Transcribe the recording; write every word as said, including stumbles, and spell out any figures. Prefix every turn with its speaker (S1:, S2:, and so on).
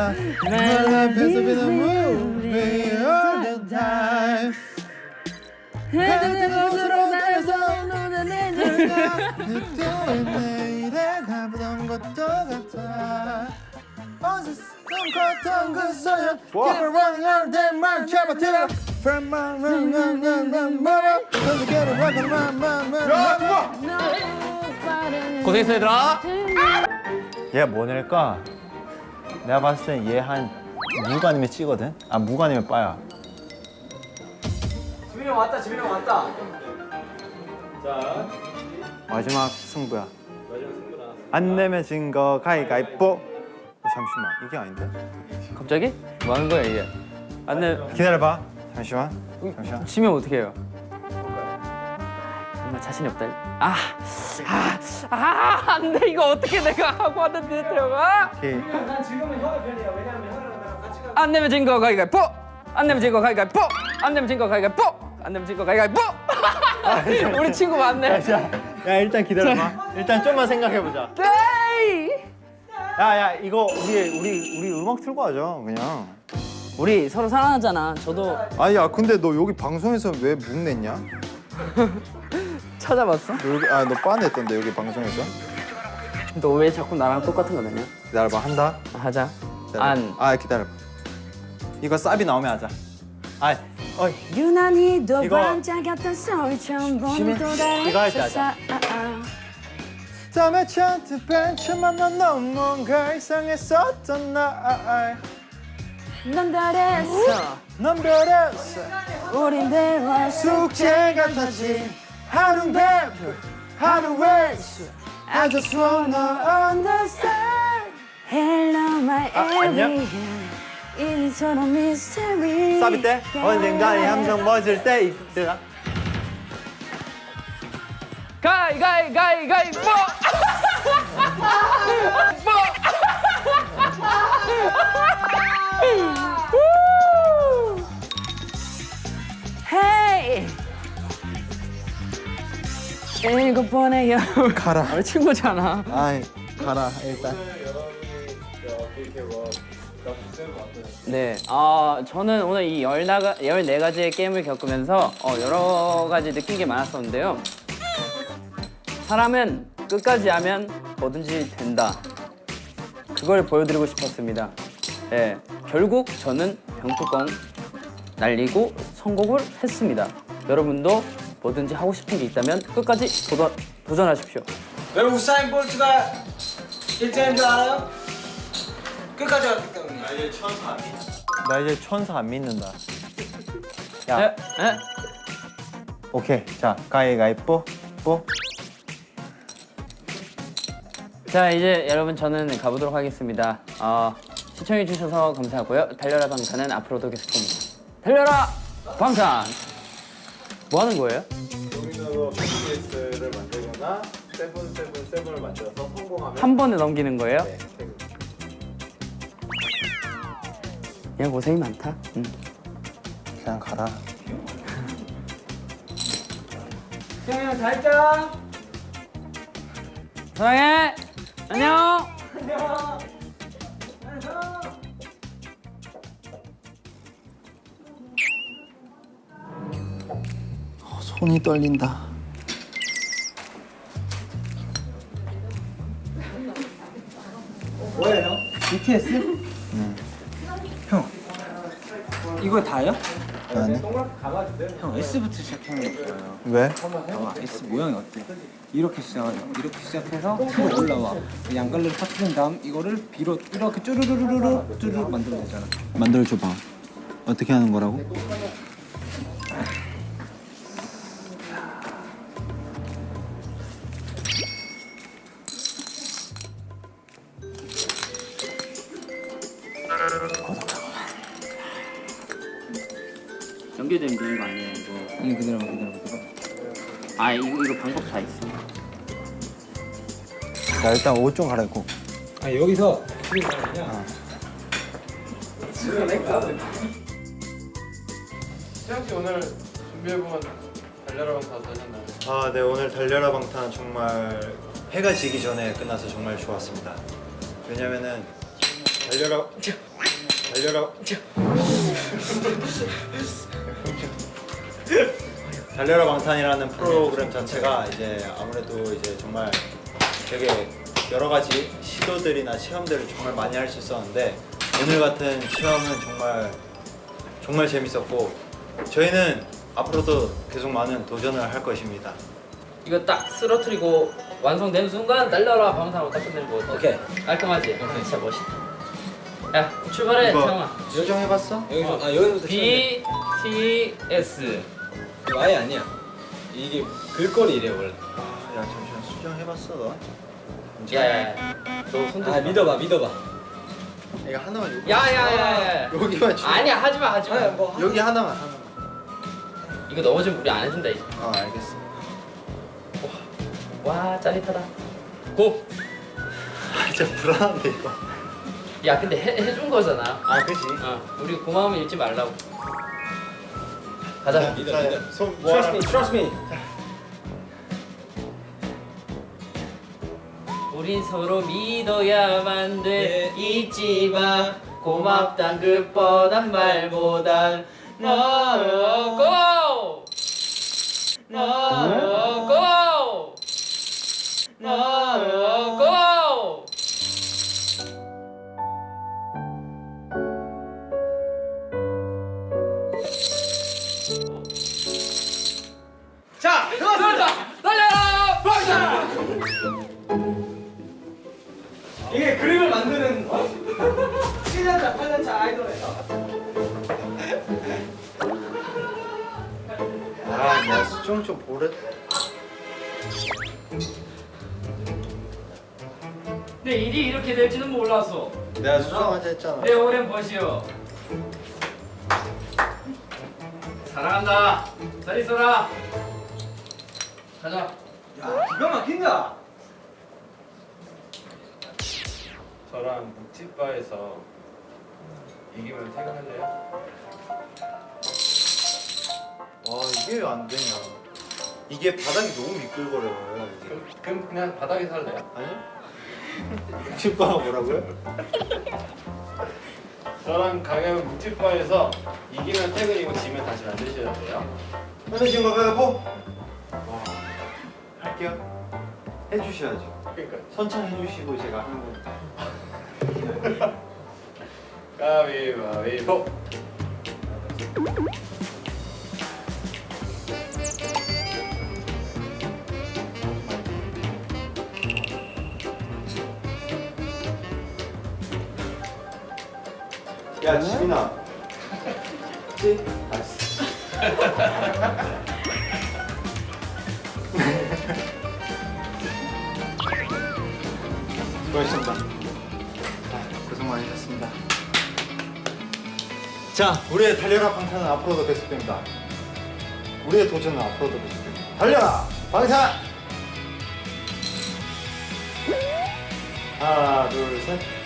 S1: My life is a bit of movie all the time. 헤드폰으로 나에서 오는 내가 그때의 내일에 가보던 것도 같아. 어디서 컸던 그 소년 Keep it running all day 말 잡아들어 From my run run run run run Don't get it run run run run 야 누가
S2: 고생했어 얘들아.
S1: 얘 뭐 낼까? 내가 봤을 땐 얘 한 묵 아니면 찌거든? 아 묵 아니면 빠야.
S2: 지민이 형 왔다. 지민이 형 왔다.
S1: 마지막 승부야. 안 내면 진 거 가위가위뽀. 어, 잠시만 이게 아닌데?
S2: 갑자기? 뭐 하는 거야 이게? 안내
S1: 기다려봐. 잠시만. 잠시만.
S2: 치면 어떻게 해요? 정말 자신이 없다. 아, 아, 아, 안 돼. 이거 어떻게 내가 하고 왔는데 태영아?
S1: 오케이.
S3: 난 지금은 형의 편이야. 왜냐면 형이랑 나랑 같이 가.
S2: 안 내면 진 거 가위가위뽀. 안 내면 진 거 가위가위뽀. 안 내면 진 거 가위가위뽀. 안 내면 진 거 가위가위뽀. 우리 친구 많네.
S1: 야 일단 기다려봐. 일단 좀만 생각해보자.
S2: 에이.
S1: 야야 이거 우리 우리 우리 음악 틀고 하죠 그냥.
S2: 우리 서로 사랑하잖아. 저도
S1: 아니 야 근데 너 여기 방송에서 왜 묵 냈냐?
S2: 찾아봤어?
S1: 너 여기 아너 빠냈던데 여기 방송에서?
S2: 너 왜 자꾸 나랑 똑같은 거 내냐?
S1: 기다려봐 한다.
S2: 하자.
S1: 기다려봐.
S2: 안.
S1: 아 기다려봐. 이거 쌉이 나오면 하자. 아 어이.
S4: 유난히 더
S1: 이거-
S4: 반짝였던 서울처럼 보는 또 다른
S1: 이거 할때 하자.
S4: 세상.
S1: 땀에 찬듯 벤츠만 넌 너무 뭔가 이상했었던 날.
S4: 넌 달했어
S1: 넌 별했어.
S4: 우린 배웠어
S1: 숙제 같았지. 하루 배프 하루 웨이스. I just wanna understand.
S4: Hello my
S1: 아, 안녕?
S4: area 이처럼 mystery
S1: 쌉이 때 언젠가 이 함성 멎을 때 이때가.
S2: 가위가위가위가위뽀.
S4: Hey 일곱 번의 여름
S1: 가라.
S2: 우리 친구잖아.
S1: 아이 가라 일단.
S2: 네, 아 저는 오늘 이 열나가 열네 가지의 게임을 겪으면서 어, 여러 가지 느낀 게 많았었는데요. 사람은 끝까지 하면 뭐든지 된다. 그걸 보여드리고 싶었습니다. 네, 결국 저는 병뚜껑 날리고 성공을 했습니다. 여러분도 뭐든지 하고 싶은 게 있다면 끝까지 도전, 도전하십시오.
S3: 여러분 우사인 볼트가 일 등인 줄 알아요? 끝까지 왔기 때문에.
S1: 나 이제 천사 안 믿는다.
S2: 네,
S1: 야
S2: 네.
S1: 오케이 자 가위가위뽀 뽀.
S2: 자 이제 여러분 저는 가보도록 하겠습니다. 어, 시청해주셔서 감사하고요. 달려라 방탄은 앞으로도 계속됩니다. 달려라 방탄! 뭐 하는 거예요?
S1: 여기서 비즈니스를 만들거나 세븐 세븐 세븐을 만들어서 성공하면
S2: 한 번에 넘기는 거예요?
S1: 네,
S2: 야 고생이 많다. 응.
S1: 그냥 가라.
S3: 형이 형 잘 자.
S2: 사랑해. 안녕.
S3: 안녕. 안녕.
S1: 손이 떨린다.
S3: 뭐예요 형? 비티에스? 응. 형 이거 다요?
S1: 아니.
S3: 형 S부터 시작하는 게 좋아요.
S1: 왜?
S3: 봐봐 S 모양이 어때? 이렇게 시작하죠. 이렇게 시작해서 T로 올라와. 양갈래를 터트린 다음 이거를 B로 이렇게 쭈루루루루 쭈루 만들면 되잖아.
S1: 만들어줘봐. 어떻게 하는 거라고?
S2: 연결되면 되는 거 아니에요 이거?
S3: 아니 기다려봐 기다려봐 기다려봐.
S2: 아 이거 이거 방법 다 있어.
S1: 나 일단 옷 좀 갈아입고.
S3: 아 여기서 지금 뭐냐?
S5: 태양 씨 오늘 준비해본 달려라 방탄 어떠셨나요?
S1: 아, 네 오늘 달려라 방탄 정말 해가 지기 전에 끝나서 정말 좋았습니다. 왜냐면은 달려라 달려라. 달려라 방탄이라는 프로그램 자체가 이제 아무래도 이제 정말 되게 여러 가지 시도들이나 체험들을 정말 많이 할 수 있었는데 오늘 같은 체험은 정말 정말 재밌었고 저희는 앞으로도 계속 많은 도전을 할 것입니다.
S2: 이거 딱 쓰러뜨리고 완성된 순간 날려라 방탄으로 딱 끝내는 거 어때?
S3: 오케이.
S2: 깔끔하지? 진짜 멋있다. 야 출발해
S1: 이거
S2: 태영아.
S1: 수정해봤어?
S3: 여기서 아 여기서부터
S2: B T S.
S3: 이거 아예 아니야. 이게 글꼴이래 원래.
S1: 아, 야 잠시만 수정해봤어 너?
S2: 야야야. 너 손들.
S3: 아 믿어봐 믿어봐.
S1: 이거 하나만 여기.
S2: 야야야야.
S1: 여기만 주.
S2: 아니야 하지마 하지마.
S3: 아, 뭐
S1: 여기 하나만 하나만.
S2: 이거 넘어지면 우리 안 해준다 이제.
S1: 어 알겠어.
S2: 와 짜릿하다. 고.
S1: 아 진짜 불안한데 이거.
S2: 야 근데 해, 해준 거잖아.
S1: 아 그지.
S2: 어 우리 고마움을 잃지 말라고. 가자.
S3: 믿어,
S1: 자,
S3: 믿어.
S1: 손
S3: Trust
S1: 모아라.
S3: me, trust me.
S2: 우린 서로 믿어야만 돼.
S3: 네.
S2: 잊지 마. 고맙단 그 뻔한 말보단 너 고! 너 고! 너 고!
S3: 자,
S2: 들어간다! 날려라! 방탄!
S3: 이게 그림을 만드는 어? 칠 년 차, 팔 년 차 아이돌에서.
S1: 아, 나 수정 좀 보래.
S2: 내 일이 이렇게 될지는 몰랐어.
S1: 내가 수정하자 했잖아.
S2: 내 오랜 벗이여. 사랑한다. 잘 있어라. 가자.
S3: 야, 기가 막힌다.
S5: 저랑 묵찌바에서 이기면 퇴근할래요?
S1: 와 이게 왜 안 되냐? 이게 바닥이 너무 미끌거려요. 이게.
S5: 그럼, 그럼 그냥 바닥에 살래요?
S1: 아니? 묵집바가 뭐라고요?
S5: 저랑 강현 묵찌바에서 이기면 퇴근이고 지면 다시 만드셔야 돼요.
S1: 현우진 거 가고. 와 할게요. 해주셔야죠.
S5: 그러니까
S1: 선창해주시고 제가 하는 거.
S5: 가위바위보.
S1: 야 지민아. 지? 알았어. 수고하셨습니다. 아, 고생 많으셨습니다. 자, 우리의 달려라 방탄은 앞으로도 계속됩니다. 우리의 도전은 앞으로도 계속됩니다. 달려라 방탄! 하나, 둘, 셋.